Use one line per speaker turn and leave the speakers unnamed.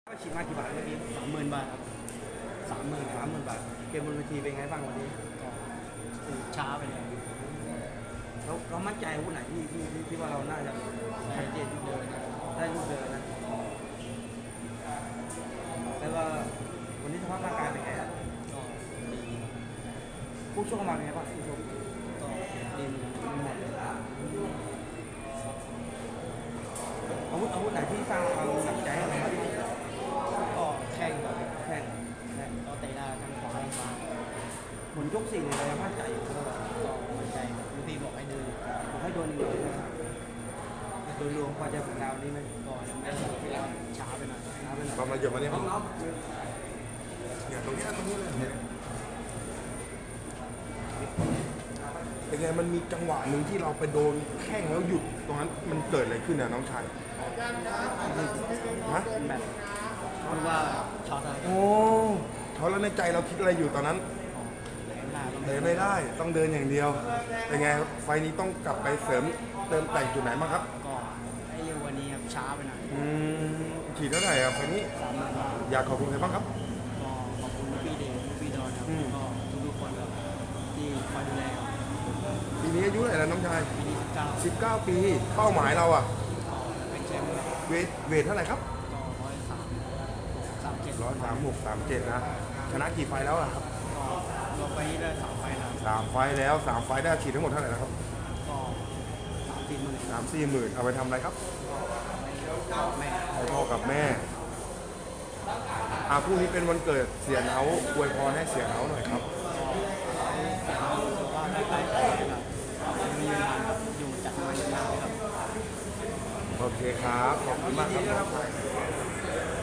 ก็ฉีดมากี่บาทเมื่อกี้
30,000 บาทครับ
30,000บาทเกมบนเวทีเป็นไงบ้างวันนี้
ก็ช้าไปเลย
เรามั่นใจอาวุธไหนที่ว่าเราน่าจะชัดเจนที่เดินได้ลูกเดินนะแล้วว่าวันนี้สภาพร่างกายเป็นไงครับ
ก็ดี
ผู้ชกมาเป็นไงบ้างผู้ชก
ก็ดีหมดเลย
อาวุธไหนที่สร้างความหนักใจให้เราบ้าง
ก็แข่งแบบ
แข่ง
ก็เตะได้ทั้งขวาทั้งซ้าย
ผลยก4เนี่ยเรายังมั่นใจอยู่เรา
ก็มั่นใจลูกพี่บอกให้เดิน
ให้โดนอีกหน่อยนะโดยรวมพอใจผลงานวันนี้ไหม
ก็ยังไม่ช้าไปหน่อย
น้ำไปหน่อย
ความละเอียดมาเนี่ย
น้อง
เนี่ยตรงนี้เลยเนี่ยเป็นไงมันมีจังหวะหนึ่งที่เราไปโดนแข้งแล้วหยุดตรงนั้นมันเกิดอะไรขึ้นนะน้องชายฮะ
แบบรู้ว่าช็อตอะไร
โอ้เขาแล้วในใจเราคิดอะไรอยู่ตอนนั้น
เดินไม่ได้
เดินไม่ได้ต้องเดินอย่างเดียวเป็นไงครับไฟล์นี้ต้องกลับไปเสริมเติมแต่งจุดไหนบ้างครับ
ก็ไอ้เร็ววันนี้ครับช้าไปหน่อย
ฉีดเท่าไหร่ครับไฟล์นี้
30,000 บาท
อยากขอบคุณใครบ้างครับ
ก็ขอบคุณลูกพี่เดชลูกพี่ดอนครับก็ทุกคนครับที่คอยดูแลครับ
ปีนี้อายุเท่าไหร่แล้วน้องชาย
ปีนี้19
19 ปีเป้าหมายเราอะ
ก็เป็นแชมป์ก็
เวทเท่าไหร่ครับ
136 37
นะชนะกี่ไฟล์แล้วล่ะครับ
ก็ลงไปนี่ได้3 ไฟล์แล้ว
3 ไฟล์แล้ว3 ไฟล์ได้ฉีดทั้งหมดเท่าไหร่นะครับ
ก็30,000
3-4 หมื่นเอาไปทำอะไรครับ
แม่
ให้พ่อกับแม่พรุ่งนี้เป็นวันเกิดเสียเนาอวยพรให้เสียเนาหน่อยครับ
เสียงรู้ว่าได้ไปต่อครับมีเวลาอยู่จัดงานยาวๆครับ
โอเคครับขอบคุณมากครับ